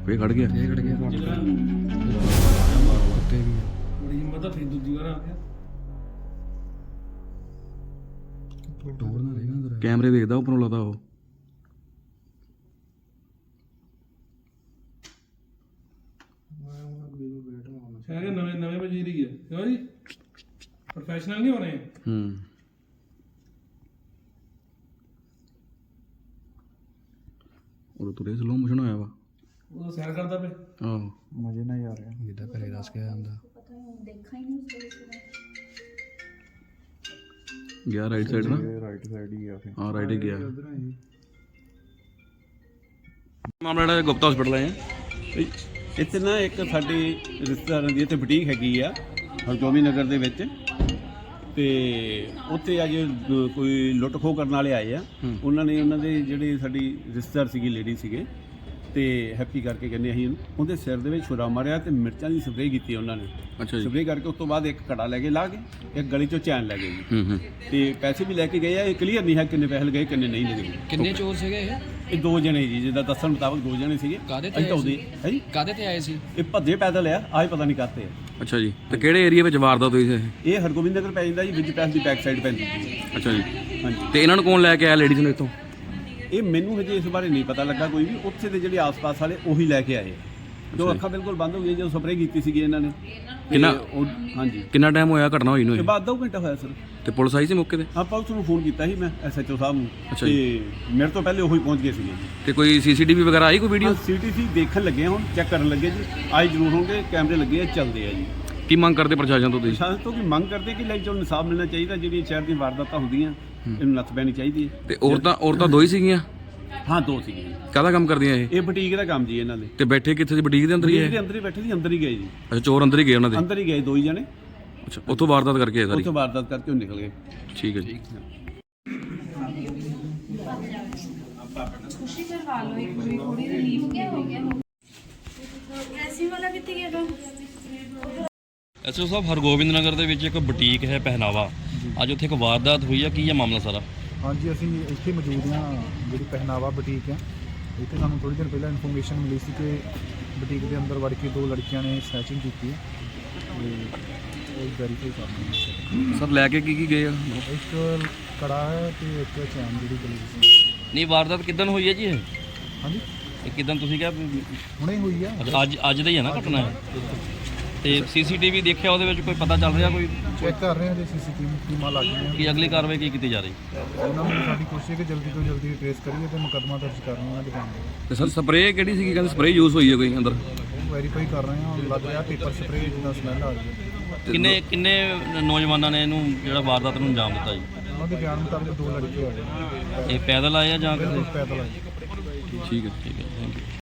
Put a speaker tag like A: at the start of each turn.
A: ਫੇਰ ਖੜ ਗਿਆ
B: ਬੜੀ ਹਿੰਮਤ ਆ, ਫਿਰ ਦੂਜੀ ਵਾਰ ਆ ਗਿਆ।
C: ਟੋਰ ਨਾ ਰਹੀ ਨਾ ਅੰਦਰ।
A: ਕੈਮਰੇ ਦੇਖਦਾ ਉੱਪਰੋਂ ਲੱਗਦਾ ਉਹ
B: ਸ਼ਾਇਦ ਨਵੇਂ ਵਜ਼ੀਰ ਹੀ ਹੈ ਕਿਉਂ ਜੀ, ਪ੍ਰੋਫੈਸ਼ਨਲ ਨਹੀਂ ਹੋਣੇ।
A: ਉਹ ਤੁਰੇ ਸਲੋ ਮੋਸ਼ਨ ਹੋਇਆ ਵਾ,
B: ਉਹ ਸੈਰ ਕਰਦਾ ਪਿਆ।
A: ਆਹੋ
C: ਮਜ਼ੇ ਨਾਲ ਜਾ ਰਿਹਾ ਜਿੱਦਾਂ ਘਰੇ ਦੱਸ ਕੇ ਆਂਦਾ।
A: ਗਿਆ ਰਾਈਟ ਸਾਈਡ ਨਾ,
C: ਰਾਈਟ ਸਾਈਡ ਹੀ ਆ।
A: ਹਾਂ ਰਾਈਟ ਹੀ ਗਿਆ। ਮਾਮਲਾ ਜਿਹੜਾ ਗੁਪਤਾ ਹਸਪੀਟਲ ਆਏ ਆ,
D: ਇੱਥੇ ਨਾ ਇੱਕ ਸਾਡੇ ਰਿਸ਼ਤੇਦਾਰਾਂ ਦੀ ਇੱਥੇ ਬੁਟੀਕ ਹੈਗੀ ਆ ਹਰਗੋਬਿੰਦ ਨਗਰ ਦੇ ਵਿੱਚ, ਤੇ ਉੱਥੇ ਅੱਜ ਕੋਈ ਲੁੱਟ ਖੋਹ ਕਰਨ ਵਾਲੇ ਆਏ ਆ। ਉਹਨਾਂ ਨੇ ਉਹਨਾਂ ਦੇ ਜਿਹੜੇ ਸਾਡੀ ਰਿਸ਼ਤੇਦਾਰ ਸੀਗੀ, ਲੇਡੀ ਸੀਗੇ, ਤੇ ਹੈਪੀ ਕਰਕੇ ਕਹਿੰਦੇ ਅਸੀਂ ਉਹਦੇ ਸਿਰ ਦੇ ਵਿੱਚ ਛੁਰਾ ਮਾਰਿਆ ਤੇ ਮਿਰਚਾਂ ਦੀ ਸਪਰੇਅ ਕੀਤੀ ਉਹਨਾਂ ਨੇ।
A: ਅੱਛਾ ਜੀ।
D: ਸਪਰੇਅ ਕਰਕੇ ਉਸ ਤੋਂ ਬਾਅਦ ਇੱਕ ਘੜਾ ਲੈ ਕੇ ਲਾ ਕੇ ਇੱਕ ਗਲੀ ਚੋਂ ਚੈਨ ਲੈ ਗਏ ਜੀ। ਤੇ ਪੈਸੇ ਵੀ ਲੈ ਕੇ ਗਏ ਆ। ਇਹ ਕਲੀਅਰ ਨਹੀਂ ਹੈ ਕਿੰਨੇ ਪੈਸੇ ਲਗਾਏ ਕਿੰਨੇ ਨਹੀਂ ਲਗੇ।
E: ਕਿੰਨੇ ਚੋਰ ਸੀਗੇ
D: ਇਹ ਦੋ ਜਣੇ ਜੀ, ਜਿੱਦਾਂ ਦੱਸਣ ਮੁਤਾਬਕ ਦੋ ਜਣੇ ਸੀਗੇ।
E: ਕਾਹਦੇ ਤੇ
D: ਅਸੀਂ ਤਾਂ ਉਹਦੇ ਹੈ ਜੀ,
E: ਕਾਹਦੇ ਤੇ ਆਏ ਸੀ?
D: ਇਹ ਭੱਜੇ ਪੈਦਲ ਆ, ਆਏ ਪਤਾ ਨਹੀਂ ਕਾਹਤੇ ਆ।
A: ਅੱਛਾ ਜੀ। ਤੇ ਕਿਹੜੇ ਏਰੀਆ ਵਿੱਚ ਵਾਰਦਾਤ ਹੋਈ ਸੀ?
D: ਇਹ ਹਰਗੋਬਿੰਦ ਨਗਰ ਪੈ ਜਾਂਦਾ ਜੀ, ਵਿਜ ਪੈਸ ਦੀ ਬੈਕ ਸਾਈਡ ਪੈਂਦੀ ਜੀ।
A: ਅੱਛਾ ਜੀ।
D: ਹਾਂਜੀ।
A: ਤੇ ਇਹਨਾਂ ਨੂੰ ਕੌਣ ਲੈ ਕੇ ਆਇਆ ਲੇਡੀਜ਼ ਨੂੰ ਇੱਥੋਂ?
D: ਇਹ ਮੈਨੂੰ ਹਜੇ ਇਸ ਬਾਰੇ ਨਹੀਂ ਪਤਾ ਲੱਗਾ ਕੋਈ ਵੀ। ਉੱਥੇ ਦੇ ਜਿਹੜੇ ਆਸ-ਪਾਸ ਵਾਲੇ ਉਹੀ ਲੈ ਕੇ ਆਏ, ਜੋ ਅੱਖਾਂ ਬਿਲਕੁਲ ਬੰਦ ਹੋ ਗਈਆਂ ਜਦੋਂ ਸਪਰੇਅ ਕੀਤੀ ਸੀਗੀ ਇਹਨਾਂ ਨੇ। ਹਾਂਜੀ।
A: ਕਿੰਨਾ ਟਾਈਮ ਹੋਇਆ ਘਟਨਾ ਹੋਈ ਨੂੰ?
D: ਇਹ ਬਾਅਦ 2 ਘੰਟਾ ਹੋਇਆ ਸਰ।
A: ਤੇ ਪੁਲਿਸ ਆਈ ਸੀ ਮੌਕੇ ਤੇ?
D: ਹਾਂ, ਪੁਲਿਸ ਨੂੰ ਫੋਨ ਕੀਤਾ ਸੀ ਮੈਂ, SHO ਸਾਹਿਬ ਨੂੰ।
A: ਅੱਛਾ
D: ਤੇ ਮੇਰੇ ਤੋਂ ਪਹਿਲੇ ਉਹੀ ਪਹੁੰਚ ਗਏ ਸੀਗੇ ਜੀ।
A: ਤੇ ਕੋਈ CCTV ਵਗੈਰਾ ਆਈ ਕੋਈ ਵੀਡੀਓ?
D: CCTV ਦੇਖਣ ਲੱਗੇ ਆ, ਹੁਣ ਚੈੱਕ ਕਰਨ ਲੱਗੇ ਜੀ। ਆਏ ਜ਼ਰੂਰ ਹੋਣਗੇ, ਕੈਮਰੇ ਲੱਗੇ ਆ, ਚੱਲਦੇ ਆ ਜੀ।
A: ਕੀ ਮੰਗ ਕਰਦੇ ਪ੍ਰਸ਼ਾਸਨ ਤੋਂ ਤੁਸੀਂ?
D: ਪ੍ਰਸ਼ਾਸਨ ਤੋਂ ਕੀ ਮੰਗ ਕਰਦੇ ਕਿ ਲਾਈਕ ਜੋ ਇਨਸਾਫ ਮਿਲਣਾ ਚਾਹੀਦਾ। ਜਿਹੜੀਆਂ ਸ਼ਹਿਰ ਦੀਆਂ ਵਾਰਦਾਤਾਂ ਹੁੰਦੀਆਂ ਇਹਨੂੰ ਨੱਥ ਪੈਣੀ ਚਾਹੀਦੀ ਹੈ।
A: ਤੇ ਔਰਤਾਂ ਦੋ ਹੀ ਸੀਗੀਆਂ?
D: ਹਾਂ, 2 ਸੀਗੀਆਂ।
A: ਕਾਹਦਾ ਕੰਮ ਕਰਦੀਆਂ ਇਹ?
D: ਇਹ ਬੁਟੀਕ ਦਾ ਕੰਮ ਜੀ ਇਹਨਾਂ ਦੇ।
A: ਤੇ ਬੈਠੇ ਕਿੱਥੇ ਸੀ? ਬੁਟੀਕ ਦੇ ਅੰਦਰ ਹੀ
D: ਬੁਟੀਕ
A: ਹੈ?
D: ਦੇ ਅੰਦਰ ਹੀ ਬੈਠੇ ਸੀ, ਅੰਦਰ ਹੀ ਗਏ ਜੀ।
A: ਅੱਛਾ, ਚੋਰ ਅੰਦਰ ਹੀ ਗਏ ਉਹਨਾਂ ਦੇ?
D: ਅੰਦਰ ਹੀ ਗਏ 2 ਹੀ ਜਣੇ।
A: ਅੱਛਾ, ਉੱਥੋਂ ਵਾਰਦਾਤ ਕਰਕੇ ਆਏ ਸਾਰੀ?
D: ਉੱਥੋਂ ਵਾਰਦਾਤ ਕਰਕੇ ਉਹ ਨਿਕਲ ਗਏ।
A: ਠੀਕ ਹੈ ਜੀ।
F: खुशी करवा लो एक पूरी थोड़ी रिलीफ क्या हो गया ऐसी वाला कितने गया था।
G: SHO ਸਾਹਿਬ, ਹਰਗੋਬਿੰਦ ਨਗਰ ਦੇ ਵਿੱਚ ਇੱਕ ਬੁਟੀਕ ਹੈ ਪਹਿਨਾਵਾ, ਅੱਜ ਉੱਥੇ ਇੱਕ ਵਾਰਦਾਤ ਹੋਈ ਹੈ, ਕੀ ਹੈ ਮਾਮਲਾ ਸਾਰਾ?
C: ਹਾਂਜੀ, ਅਸੀਂ ਇੱਥੇ ਮੌਜੂਦ ਹਾਂ ਜਿਹੜੀ ਪਹਿਨਾਵਾ ਬੁਟੀਕ ਹੈ। ਇੱਥੇ ਸਾਨੂੰ ਥੋੜ੍ਹੀ ਦਿਨ ਪਹਿਲਾਂ ਇਨਫੋਰਮੇਸ਼ਨ ਮਿਲੀ ਸੀ ਕਿ ਬੁਟੀਕ ਦੇ ਅੰਦਰ ਵੜ ਕੇ 2 ਲੜਕੀਆਂ ਨੇ ਸਨੈਚਿੰਗ ਕੀਤੀ ਹੈ, ਤੇ ਉਹ ਵੈਰੀਫਾਈ ਕਰ ਰਹੇ ਹਾਂ।
A: ਸਰ ਲੈ ਕੇ ਕੀ ਗਏ ਆ?
C: ਇੱਕ ਕੜਾ ਹੈ ਤੇ ਇੱਕ ਚੈਨ ਜਿਹੜੀ ਗਲੀ ਸੀ।
G: ਨਹੀਂ, ਵਾਰਦਾਤ ਕਿੱਦਣ ਹੋਈ ਹੈ ਜੀ ਇਹ?
C: ਹਾਂਜੀ,
G: ਇਹ ਕਿੱਦਣ ਤੁਸੀਂ ਕਿਹਾ?
C: ਹੁਣੇ ਹੋਈ ਆ।
G: ਅੱਜ ਦਾ ਹੀ ਹੈ ਨਾ ਘਟਨਾ ਇਹ? ਤੇ CCTV ਦੇਖਿਆ, ਉਹਦੇ ਵਿੱਚ ਕੋਈ ਪਤਾ ਚੱਲ ਰਿਹਾ? ਕੋਈ
C: ਚੈੱਕ ਕਰ ਰਹੇ ਹਾਂ ਜੇ CCTV ਟੀਮਾਂ ਲੱਗ ਗਈਆਂ।
G: ਕੀ ਅਗਲੀ ਕਾਰਵਾਈ ਕੀ ਕੀਤੀ ਜਾ ਰਹੀ?
C: ਉਹਨਾਂ ਨੂੰ ਸਾਡੀ ਕੋਸ਼ਿਸ਼ ਹੈ ਕਿ ਜਲਦੀ ਤੋਂ ਜਲਦੀ ਟ੍ਰੇਸ ਕਰੀਏ ਤੇ ਮੁਕੱਦਮਾ ਦਰਜ ਕਰਨਾ ਉਹਨਾਂ ਦੇ ਕੰਮ ਦੇ।
A: ਤੇ ਸਰ ਸਪਰੇਅ ਕਿਹੜੀ ਸੀਗੀ? ਕਹਿੰਦੇ ਸਪਰੇਅ ਯੂਜ਼ ਹੋਈ ਹੈ ਕੋਈ ਅੰਦਰ?
C: ਉਹ ਵੈਰੀਫਾਈ ਕਰ ਰਹੇ ਹਾਂ। ਲੱਗ ਰਿਹਾ ਪੇਪਰ ਸਪਰੇਅ ਜਿੱਦਾਂ ਸਮੈਲ ਆ ਰਹੀ ਹੈ।
G: ਕਿੰਨੇ ਨੌਜਵਾਨਾਂ ਨੇ ਇਹਨੂੰ ਜਿਹੜਾ ਵਾਰਦਾਤ ਨੂੰ ਅੰਜਾਮ ਦਿੱਤਾ ਜੀ?
C: ਉਹਨਾਂ ਦੇ ਬਿਆਨ ਮੁਤਾਬਕ 2 ਲੜਕੇ ਆ ਗਏ।
G: ਇਹ ਪੈਦਲ ਆਏ ਆ ਜਾਂ ਕਿਸੇ?
C: ਪੈਦਲ ਆਏ।
A: ਠੀਕ ਹੈ।
G: ਠੀਕ ਹੈ, ਥੈਂਕ ਯੂ।